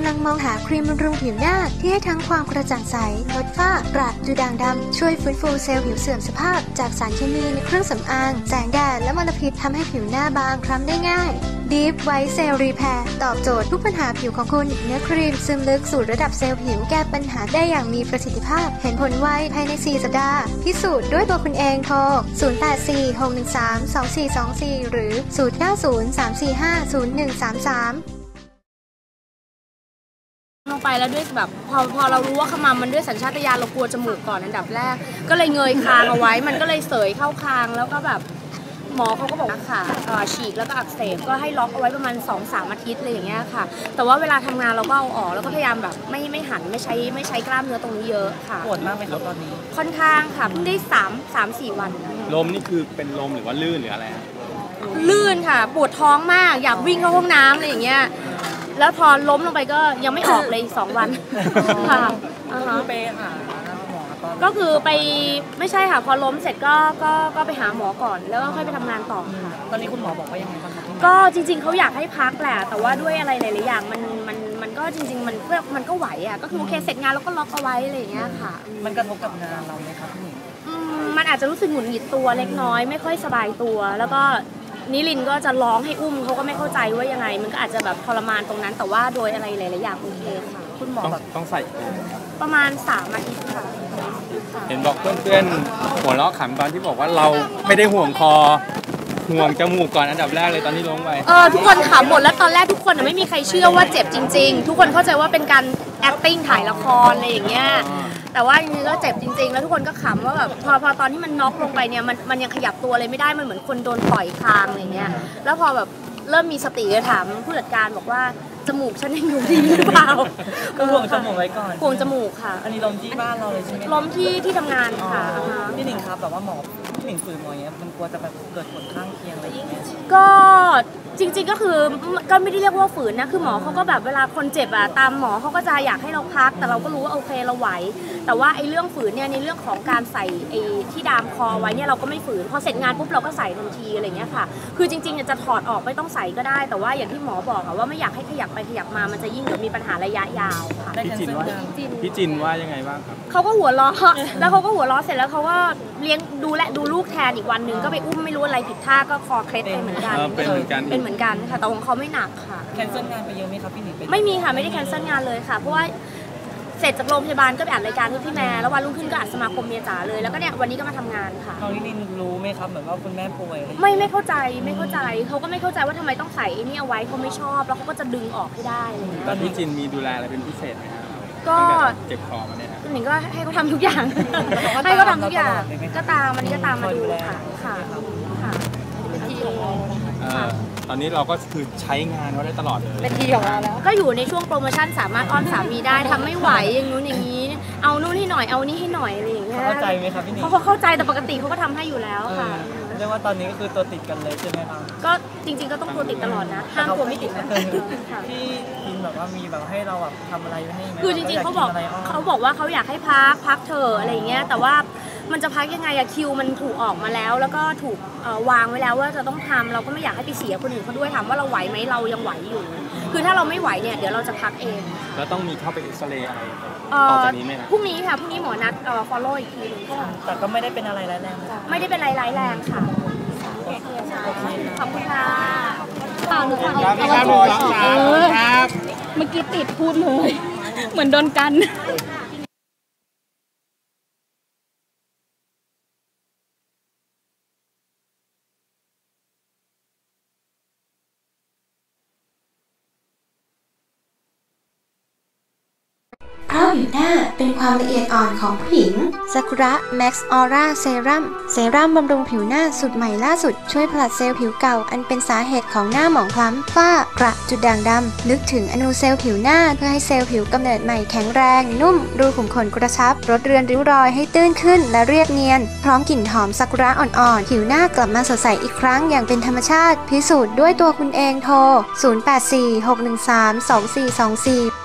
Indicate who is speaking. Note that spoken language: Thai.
Speaker 1: ลังมองหาครีมบำรุงผิวหน้าที่ให้ทั้งความกระจ่างใสลดฝ้ากระดูด่างดำช่วยฟื้นฟูเซลล์ผิวเสื่อมสภาพจากสารเคมีในเครื่องสำอางแสงแดดและมลพิษทำให้ผิวหน้าบางคล้ำได้ง่าย Deep White Cell Repair ตอบโจทย์ทุกปัญหาผิวของคุณเนื้อครีมซึมลึกสู่ระดับเซลล์ผิวแก้ปัญหาได้อย่างมีประสิทธิภาพเห็นผลไวภายใน4สัปดาห์พิสูจน์ด้วยตัวคุณเองโทร0846132424หรือ0903450133
Speaker 2: ลงไปแล้วด้วยแบบพอเรารู้ว่าขมำมันด้วยสัญชาตญาณเรากลัวจมูกก่อนอันดับแรกก็เลยเงยคางเอาไว้มันก็เลยเสยเข้าคางแล้วก็แบบหมอเขาก็บอกว่าค่ะฉีกแล้วก็อักเสบก็ให้ล็อกเอาไว้ประมาณ 2-3 อาทิตย์เลยอย่างเงี้ยค่ะแต่ว่าเวลาทำงานเราก็เอาออกแล้วก็พยายามแบบไม่หันไม่ใช้กล้ามเนื้อตรงนี้เยอะค่ะ
Speaker 3: ปวดมากไหมครับตอนนี้
Speaker 2: ค่อนข้างค่ะเพิ่งได้3-4 วัน
Speaker 4: ลมนี่คือเป็นลมหรือว่าลื่นหรืออะไร
Speaker 2: ลื่นค่ะปวดท้องมากอยากวิ่งเข้าห้องน้ำอะไรอย่างเงี้ยแล้วพอล้มลงไปก็ยังไม่ออกเลย2 วันค่ะ
Speaker 3: ไปหาหมอ
Speaker 2: ก็คือไปไม่ใช่ค่ะพอล้มเสร็จก็ไปหาหมอก่อนแล้วก็ค่อยไปทำงานต่อค่ะ
Speaker 3: ตอนนี้คุณหมอบอกว่ายังไงบ้างคะ
Speaker 2: ก็จริงๆเขาอยากให้พักแหละแต่ว่าด้วยอะไรหลายๆอย่างมันก็จริงๆมันก็ไหวอ่ะก็คือโอเคเสร็จงานแล้วก็ล็อกเอาไว้อะไรอย่างเงี้ยค่ะ
Speaker 3: มันกระทบกับงานเราไหมครับพี่
Speaker 2: มันอาจจะรู้สึกหงุดหงิดตัวเล็กน้อยไม่ค่อยสบายตัวแล้วก็นิลินก็จะร้องให้อุ้มเขาก็ไม่เข้าใจว่ายังไงมันก็อาจจะแบบทรมานตรงนั้นแต่ว่าโดยอะไรหลายๆอย่างโอเคค่ะ
Speaker 3: คุณหมอ
Speaker 4: ต้องใส่
Speaker 2: ประมาณ3 อาทิตย์ค่ะ
Speaker 4: เห็นบอกเพื่อนๆหัวเราะขำตอนที่บอกว่าเราไม่ได้ห่วงคอห่วงจมูกก่อนอันดับแรกเลยตอนที่ล้มไป
Speaker 2: ทุกคนขำหมดแล้วตอนแรกทุกคนไม่มีใครเชื่อว่าเจ็บจริงๆทุกคนเข้าใจว่าเป็นการ acting ถ่ายละครอะไรอย่างเงี้ยแต่ว่าจริงๆก็เจ็บจริงๆแล้วทุกคนก็ขำว่าแบบพอตอนที่มันน็อกลงไปเนี่ยมันยังขยับตัวเลยไม่ได้มันเหมือนคนโดนต่อยคางอะไรเงี้ยแล้วพอแบบเริ่มมีสติก็ถามผู้จัดการบอกว่าจมูกฉันยังอยู่ดีหรือเปล่า
Speaker 3: ก็ห่วงจมูกไว้ก่อน
Speaker 2: ห่วงจมูกค่ะ
Speaker 3: อันนี้ล้มที่บ้านเราเลยใช่ไหม
Speaker 2: ล้มที่ทำงานค่ะ
Speaker 3: พี่หนิงครับแบบว่าหมอพี่หนิงฝืนหมอเนี้ยมันกลัวจะแบบเกิดผลข้างเคียงอะไรอย่างเงี้ย
Speaker 2: ก็จริงๆก็คือก็ไม่ได้เรียกว่าฝืนนะคือหมอเขาก็แบบเวลาคนเจ็บอะตามหมอเขาก็จะอยากให้เราพักแต่เราก็รู้ว่าโอเคเราไหวแต่ว่าไอ้เรื่องฝืนเนี่ยในเรื่องของการใส่ไอ้ที่ดามคอไว้เนี่ยเราก็ไม่ฝืนพอเสร็จงานปุ๊บเราก็ใส่ทันทีอะไรเงี้ยค่ะคือจริงๆจะถอดออกไม่ต้องใส่ก็ได้แต่ว่าอย่างที่หมอบอกอะว่าไม่อยากให้ขยับไปขยับมามันจะยิ่งเดี๋ยวมีปัญหาระยะยาวค่ะ
Speaker 4: พี่จินว่ายังไงบ้างครับ
Speaker 2: เขาก็หัวเราะแล้วเขาก็หัวเราะเสร็จแล้วเขาก็เลี้ยงดูลูกแทนอีกวันหนึ่งก็ไปอุ้มไม่รู้อะไรผิดท่าก็คอเคล็ดไปเหมือนกัน
Speaker 4: เป็นเหมือน
Speaker 2: กันค่ะแต่ของเขาไม่หนักค่ะ
Speaker 3: แคนเซิลงานไปเยอะไหมครับพี่หนิง
Speaker 2: ไม่มีค่ะไม่ได้แคนเซิลงานเลยค่ะเพราะว่าเสร็จจากโรงพยาบาลก็ไปอัดรายการที่พี่แม่แล้ววันรุ่งขึ้นก็อัดสมาคมเมียจ๋าเลยแล้วก็เนี่ยวันนี้ก็มาทำงานค่ะ
Speaker 3: น้องนิลินรู้ไหมครับเหมือนว่าคุณแม่ป่วย
Speaker 2: ไม่เข้าใจเขาก็ไม่เข้าใจว่าทำไมต้องใส่ไอ้นี่เอาไว้เขาไม่ชอบแล้วเขาก็จะดึงออกให้ได้อะไรอย่างเงี้ย
Speaker 4: ตอนพี่จินมีดูแลอะไรเป็นพิเศษไหมครับ
Speaker 2: ก็
Speaker 4: เจ็บคอมาเนี่ย
Speaker 2: หนิงก็ให้เขาทำทุกอย่างให้เขาทำทุกอย่างก็ตามวันนี้ก็ตามมาดูค่ะ
Speaker 4: ตอนนี้เราก็คือใช้งานเขาได้ตลอดเลย
Speaker 2: เป็นทีของเราแล้วก็อยู่ในช่วงโปรโมชั่นสามารถอ้อนสามีได้ทำไม่ไหวอย่างนู้นอย่างนี้เอานู่นให้หน่อยเอานี่ให้หน่อยอะไรอย่างเงี้ย
Speaker 3: เข้าใจไหมครับพี่นิ
Speaker 2: เขาเข้าใจแต่ปกติเขาก็ทำให้อยู่แล้วค่ะ
Speaker 3: เรียกว่าตอนนี้ก็คือตัวติดกันเลยใช่ไหมครับ
Speaker 2: ก็จริงๆก็ต้องตัวติดตลอดนะห้ามตัวไม่ติดนะ
Speaker 3: พี่กินแบบว่ามีแบบให้เราแบบทำอะไรให้ไหม
Speaker 2: คือจริงๆเขาบอกว่าเขาอยากให้พักเธออะไรอย่างเงี้ยแต่ว่ามันจะพักยังไงอะคิวมันถูกออกมาแล้วก็ถูกวางไว้แล้วว่าจะต้องทำเราก็ไม่อยากให้ไปเสียคนอื่นเขาด้วยถามว่าเราไหวไหมเรายังไหวอยู่คือถ้าเราไม่ไหวเนี่ยเดี๋ยวเราจะพักเอง
Speaker 4: แล้วต้องมีเข้าไปเอ็กซเรย์อะไรต่อจากนี้ไหม
Speaker 2: พรุ่งนี้ค่ะพรุ่งนี้หมอนัดfollow อีกทีนึง
Speaker 3: แต่ก็ไม่ได้เป็นอะไรร้ายแรง
Speaker 2: ไม่ได้เป็นอะไรร้ายแรงค่ะขอบคุณค่ะ
Speaker 4: หนูขอครับ
Speaker 2: เมื่อกี้ติดพูดเลยเหมือนโดนกัน
Speaker 1: เพราะผิวหน้าเป็นความละเอียดอ่อนของผู้หญิงซากุระแม็กซ์ออร่าเซรั่มบำรุงผิวหน้าสูตรใหม่ล่าสุดช่วยผลัดเซลล์ผิวเก่าอันเป็นสาเหตุของหน้าหมองคล้ำฝ้ากระจุดด่างดำนึกถึงอนูเซลล์ผิวหน้าเพื่อให้เซลล์ผิวกำเนิดใหม่แข็งแรงนุ่มรูขุมขนกระชับลดเรือนริ้วรอยให้ตื้นขึ้นและเรียบเนียนพร้อมกลิ่นหอมซากุระอ่อนๆผิวหน้ากลับมาสดใสอีกครั้งอย่างเป็นธรรมชาติพิสูจน์ด้วยตัวคุณเองโทร0846132424